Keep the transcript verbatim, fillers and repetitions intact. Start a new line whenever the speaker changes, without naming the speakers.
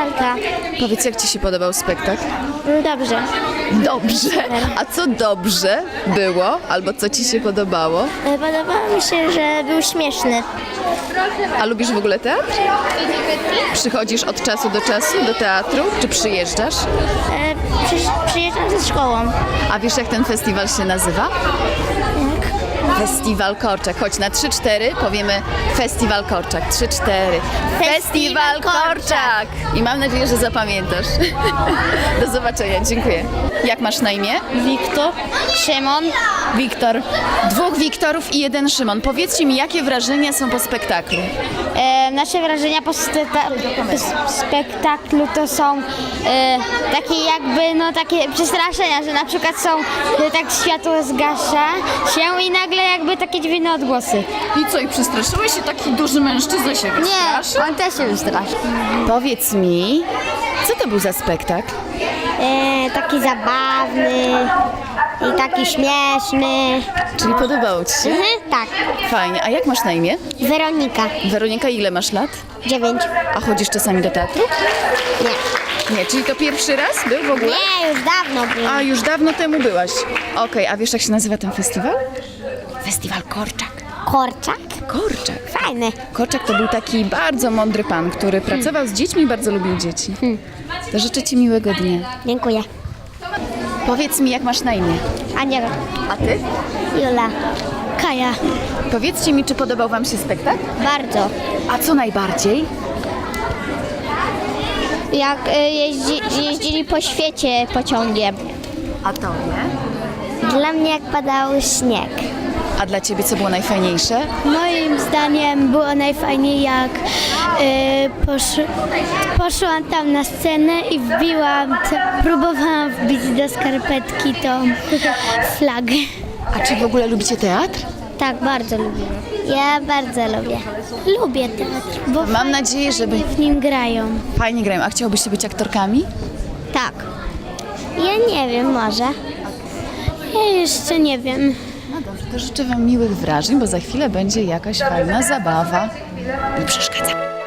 lalka.
Powiedz, jak ci się podobał spektakl?
Dobrze.
Dobrze. A co dobrze było? Albo co ci się podobało?
Podobało mi się, że był śmieszny.
A lubisz w ogóle teatr? Przychodzisz od czasu do czasu do teatru? Czy przyjeżdżasz?
E, przy, przyjeżdżam ze szkołą.
A wiesz, jak ten festiwal się nazywa? Festiwal Korczak. Chodź, na trzy cztery powiemy Festiwal Korczak. trzy cztery. Festiwal Korczak! I mam nadzieję, że zapamiętasz. Do zobaczenia, dziękuję. Jak masz na imię?
Wiktor. Szymon.
Wiktor. Dwóch Wiktorów i jeden Szymon. Powiedzcie mi, jakie wrażenia są po spektaklu?
E, nasze wrażenia po, steta- po spektaklu to są e, takie jakby, no takie przestraszenia, że na przykład są, że tak światło zgasza się i nagle jakby takie dziwne odgłosy.
I co, i przestraszyłeś się? Taki duży mężczyzna się wystraszył?
on też się wystraszył.
Powiedz mi, co to był za spektakl?
E, taki zabawny i taki śmieszny.
Czyli podobało ci się?
Mhm, tak.
Fajnie. A jak masz na imię?
Weronika.
Weronika, ile masz lat?
Dziewięć.
A chodzisz czasami do teatru?
Nie.
Nie, czyli to pierwszy raz był w ogóle?
Nie, już dawno był.
A, już dawno temu byłaś. Okej, a wiesz, jak się nazywa ten festiwal? Festiwal Korczak.
Korczak?
Korczak.
Fajny.
Korczak to był taki bardzo mądry pan, który pracował z dziećmi i bardzo lubił dzieci. To życzę ci miłego dnia.
Dziękuję.
Powiedz mi, jak masz na imię?
Aniela.
A ty?
Jula. Kaja.
Powiedzcie mi, czy podobał wam się spektakl?
Bardzo.
A co najbardziej?
Jak y, jeździ, jeździli po świecie pociągiem.
A to nie?
Dla mnie jak padał śnieg.
A dla ciebie co było najfajniejsze?
Moim zdaniem było najfajniej jak y, posz, poszłam tam na scenę i wbiłam, t- próbowałam wbić do skarpetki tą flagę.
A czy w ogóle lubicie teatr?
Tak, bardzo lubię. Ja bardzo lubię. Lubię teatr, bo
Mam nadzieję, żeby
w nim grają.
fajnie grają. A chciałbyście być aktorkami?
Tak. Ja nie wiem, może. Ja jeszcze nie wiem.
No dobrze, to życzę wam miłych wrażeń, bo za chwilę będzie jakaś fajna zabawa. Nie przeszkadza.